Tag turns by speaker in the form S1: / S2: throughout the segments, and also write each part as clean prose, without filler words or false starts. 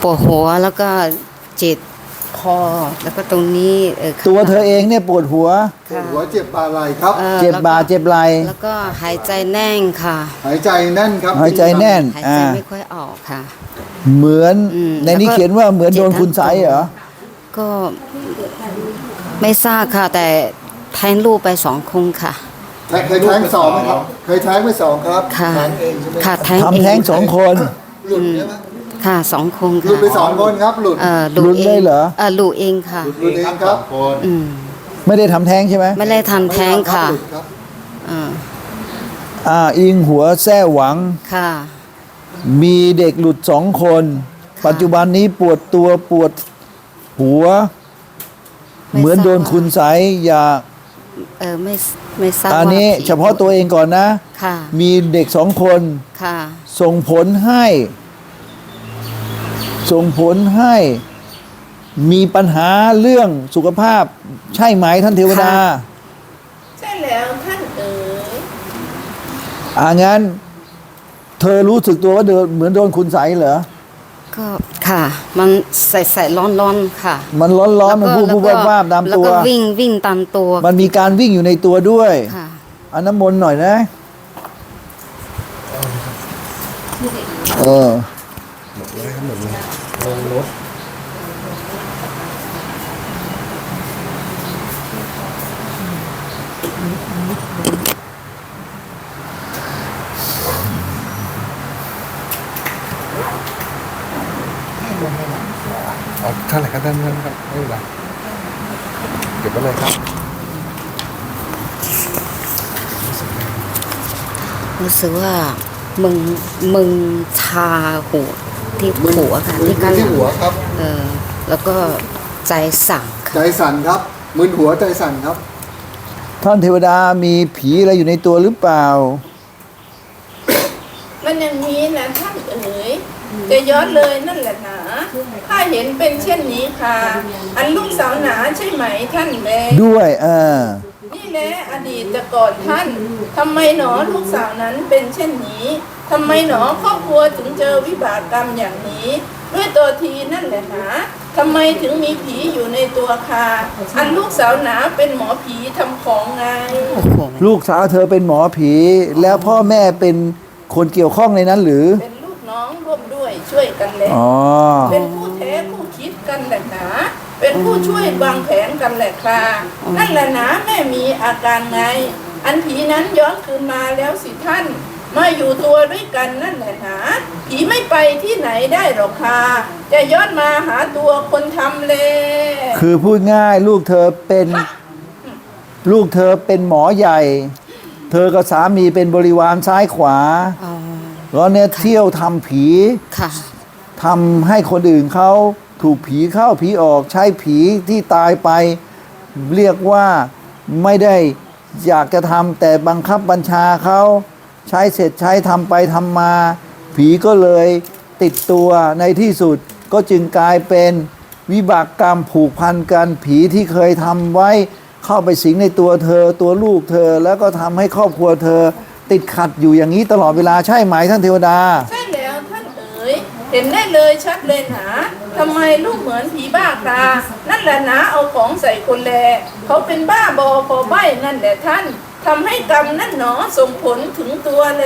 S1: ปวดหัวแล้วก็เจ็บคอแล้วก็ตรงนี้
S2: ตัวเธอเองเนี่ยปวดหัว
S3: ปวดหัวเจ็บบ่าไหล่ครับ
S2: เจ็บบ่าเจ็บไหล่
S1: แล้วก็หายใจแน่นค่ะ
S3: หายใจแน่นครับ
S2: หายใจแน่น
S1: หายใจไม่ค่อยออกค่ะ
S2: เหมือน ในนี้
S1: แล้วก็
S2: เขียนว่าเหมือนโดน
S1: เจ็บทั้ง
S2: คุณไสยเหรอ
S1: ก็ไม่ทราบค่ะ แต่แทงลูกไป2 ครั้งค่ะ
S3: เคยแท้งสองไหมครับ เคยแท้งไปสองครับ
S1: ค่ะ
S3: แท้งเองใช่ไหม
S1: ค่ะแทง
S2: ทำแท้ง 2 คน
S3: หลุดใช่ไหม
S1: ค่ะ2 ครั้ง
S3: หลุด
S1: ค่ะ
S3: ไป2 คนครับหลุด
S1: หลุด
S2: หลุดเลยเหรอ
S1: หลุดเองค่ะ
S3: หลุดเองครับ
S1: อืม
S2: ไม่ได้ทำแท้งใช่ไหม
S1: ไม่ได้ทันแท้งค่ะ
S3: หลุดครับ
S2: อิงหัวแซ่หวัง
S1: ค่ะ
S2: มีเด็กหลุด2 คน ปัจจุบันนี้ปวดตัวปวดหัว
S1: ไม่
S2: เหมือนโดน
S1: ทราบว่า
S2: คุณไสยอย่า
S1: ไม่ทราบ
S2: อันนี้
S1: ว่าผี
S2: เฉพาะตัวเองก่อนนะ
S1: ค่ะ
S2: มีเด็ก2 คน
S1: ค่ะ
S2: ส่งผลให้มีปัญหาเรื่องสุขภาพ ใช่ไหมท่านเทวดา
S1: ค่ะ
S4: ใช่แล้วท่านเอ๋ย
S2: งั้น เธอรู้สึกตัวว่าเหมือนโดนคุณไสยเหรอ
S1: ก็ค่ะ มันใส่ร้อนๆค่ะ
S2: มันร้อนๆมันพูด
S1: แล้วก็
S2: วาบๆตาม
S1: แล้ว
S2: ตัว
S1: ก็วิ่งตามตัว
S2: มันมีการวิ่งอยู่ในตัวด้วย
S1: ค่ะ
S2: อันน้ำมนต์หน่อยนะ
S5: เอาเท่าไหร่ครับท่านครับไม่เป็นไรเก็บไว้เลยครับ
S1: รู้สึกว่ามึงชาหัวที่หัวค่ะ ที่
S3: มึ
S1: กัน
S3: นที่หัวครับ
S1: แล้วก็ใจสั่ง
S3: ใจสั่นครับมึนหัวใจสั่นครับ
S2: ท่านเทวดามีผีอะไรอยู่ในตัวหรือเปล่า
S4: มันอย่างนี้นะท่านเอ๋ยจะย้อนเลยนั่นแหละหนาถ้าเห็นเป็นเช่นนี้ค่ะ อันลูกสาวหนาใช่ไหมท่านแล
S2: ด้วย
S4: นี่แหละอดีตแต่ก่อนท่านทำไมหนอลูกสาวนั้นเป็นเช่นนี้ทำไมหนอครอบครัวถึงเจอวิบากกรรมอย่างนี้ ด้วยตัวทีนั่นแหละหนาทำไมถึงมีผีอยู่ในตัวค่ะอันลูกสาวหนาเป็นหมอผีทำของไง
S1: โอ้โห
S2: ลูกสาวเธอเป็นหมอผี แล้วพ่อแม่เป็นคนเกี่ยวข้องในนั้นหรือ
S4: เป็นลูกน้องร่วมด้วยช่วยกันแหละ
S2: อ๋อ
S4: เป็นผู้แท้ผู้คิดกันแหละหนาเป็นผู้ช่วยวางแผนกันแหละค่ะนั่นแหละหนาแม่มีอาการไง อันผีนั้นย้อนคืนมาแล้วสิท่านมาอยู่ตัวด้วยกันนั่นแหละหนาผีไม่ไปที่ไหนได้หรอกค่ะจะย้อนมาหาตัวคนทำเลย
S2: คือพูดง่ายลูกเธอเป็นหมอใหญ่ เธอกับสามีเป็นบริวารซ้ายขวา
S1: อ๋อ
S2: แล้วเนี่ยเที่ยวทำผี
S1: ค่ะ
S2: ทำให้คนอื่นเขาถูกผีเข้าผีออกใช้ผีที่ตายไป เรียกว่าไม่ได้อยากจะทำแต่บังคับบัญชาเขาใช้เสร็จใช้ทำไปทำมา ผีก็เลยติดตัวในที่สุดก็จึงกลายเป็นวิบากกรรมผูกพันกันผีที่เคยทำไว้เข้าไปสิงในตัวเธอตัวลูกเธอแล้วก็ทำให้ครอบครัวเธอ ติดขัดอยู่อย่างนี้ตลอดเวลาใช่ไหมท่านเทวดา
S4: ใช่แล้วท่านเอ๋ยเห็นได้เลยชัดเลยหนาทำไมลูกเหมือนผีบ้าครานั่นแหละหนาเอาของใส่คนแลเขาเป็นบ้าบอพอใบนั่นแหละท่านทำให้กรรมนั่นหนอส่งผลถึงตัวเลย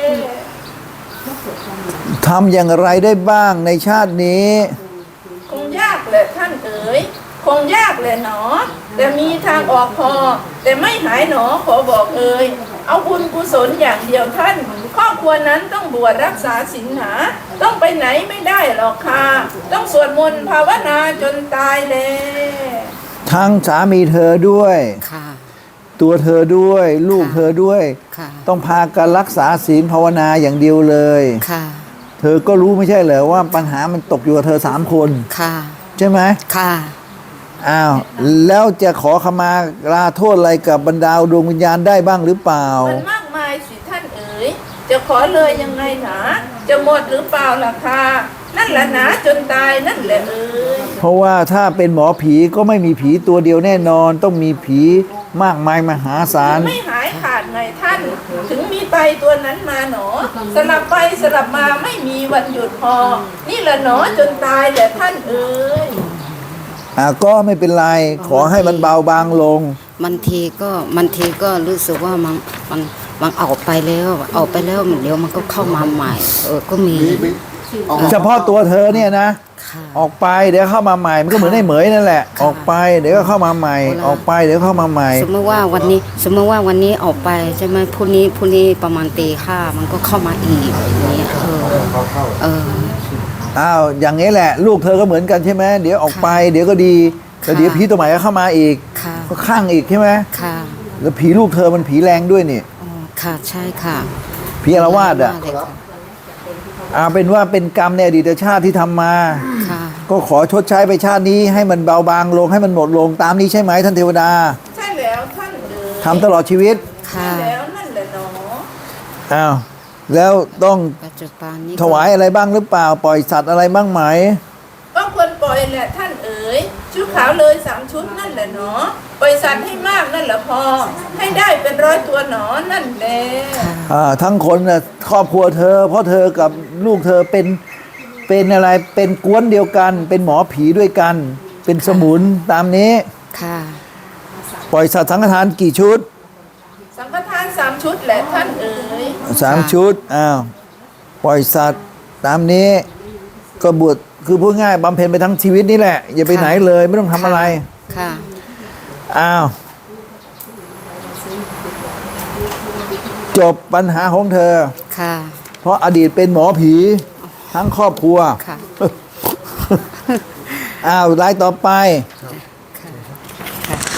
S2: ทำอย่างไรได้บ้างในชาตินี้
S4: คงยากแหละท่านเอ๋ยคงยากแหละหนอแต่มีทางออกพอ แต่ไม่หายหนอขอบอกเอ่ยเอาบุญกุศลอย่างเดียวท่านครอบครัวนั้นต้องบวชรักษาศีลหาต้องไปไหนไม่ได้หรอกค่ะต้องสวดมนต์ภาวนาจนตายเลย
S2: ทั้งสามีเธอด้วย
S1: ค่ะ
S2: ตัวเธอด้วยลูก
S1: ค่ะ
S2: เธอด้วย
S1: ค่ะ
S2: ต้องพากันรักษาศีลภาวนาอย่างเดียวเลย
S1: ค่ะ
S2: เธอก็รู้ไม่ใช่เหรอว่าปัญหามันตกอยู่กับเธอ3 คน
S1: ค่ะ
S2: ใช่ไหม
S1: ค่ะ
S2: อ้าวแล้วจะขอขมาลาโทษอะไรกับบรรดาดวงวิญญาณได้บ้างหรือเปล่า
S4: มันมากมายสิท่านเอ๋ยจะขอเลยยังไงหนาจะหมดหรือเปล่าล่ะค่ะนั่นแหละหนาจนตายนั่นแหละเอ๋ย
S2: เพราะว่าถ้าเป็นหมอผีก็ไม่มีผีตัวเดียวแน่นอน ต้องมีผีมากมายมหาศาล
S4: ไม่หายขาดไงท่าน ถึงมีไตตัวนั้นมาหนอ สลับไปสลับมาไม่มีวันหยุดพอ นี่แหละหนอจนตายแต่ท่านเอ๋ย
S2: ก็ไม่เป็นไรขอให้มันเบาบางลง
S1: บางทีก็รู้สึกว่ามันออกไปแล้วเดี๋ยวมันก็เข้ามาใหม่ ก็มี
S2: เฉพาะตัวเธอเนี่ยนะ
S1: ค่ะ
S2: ออกไปเดี๋ยวเข้ามาใหม่มันก็เหมือนไอ้เหมยนั่นแหละ ออกไปเดี๋ยวก็เข้ามาใหม่ ออกไปเดี๋ยวเข้ามาใหม่
S1: สมมติว่าวันนี้ออกไปใช่ไหมพรุ่งนี้ประมาณตีห้ามันก็เข้ามาอีกอย่างนี้
S2: อ้าวอย่างนี้แหละ ลูกเธอก็เหมือนกันใช่ไหมเดี๋ยวออกไปเดี๋ยวก็ดีแล้วเดี๋ยวผีตัวใหม่ก็เข้ามาอีก
S1: ค่ะ
S2: ก็ข้างอีกใช่ไหม
S1: ค่ะ
S2: แล้วผีลูกเธอมันผีแรงด้วยนี่
S1: อ๋อค่ะใช่ค่ะ
S2: ผีอาละวาดอ่ะ
S1: เลยค่ะ
S2: เป็นว่าเป็นกรรมในอดีตชาติที่ทำมา
S1: ค่ะ
S2: ก็ขอชดใช้ไปชาตินี้ให้มันเบาบางลงให้มันหมดลงตามนี้ใช่ไหมท่านเทวดา
S4: ใช่แล้วท่านเอ๋ย
S2: ทำตลอดชีวิต
S1: ค่ะ
S4: ใช่แล้วนั่นแหละหนอ
S2: อ้าวแล้วต้อง
S1: ปัจจุบันนี้
S2: ถวายอะไรบ้างหรือเปล่า ปล่อยสัตว์อะไรบ้างไหม
S4: ก็ควรปล่อยแหละท่านเอ๋ยชุดขาวเลย3 ชุดนั่นแหละหนอปล่อยสัตว์ให้มากนั่นแหละพอ ให้ได้เป็น100 ตัวหนอนั่นแหละ
S2: ทั้งคนน่ะครอบครัวเธอ เพราะเธอกับลูกเธอเป็นอะไรเป็นกวนเดียวกัน เป็นหมอผีด้วยกัน เป็นสมุนตามนี้
S1: ค่ะ
S2: ปล่อยสัตว์สังฆทานกี่ชุด
S4: สังฆทาน3 ชุดแหละท่านเอ๋ย
S2: 3 ชุดปล่อยสัตว์ตามนี้ ก็บวชคือพูดง่ายบำเพ็ญไปทั้งชีวิตนี่แหละ อย่าไปไหนเลยไม่ต้องทำอะไร
S1: ค่ะ
S2: จบปัญหาของเธอ
S1: ค่ะ
S2: เพราะอดีตเป็นหมอผีทั้งครอบครัว
S1: ค่ะ
S2: รายต่อไป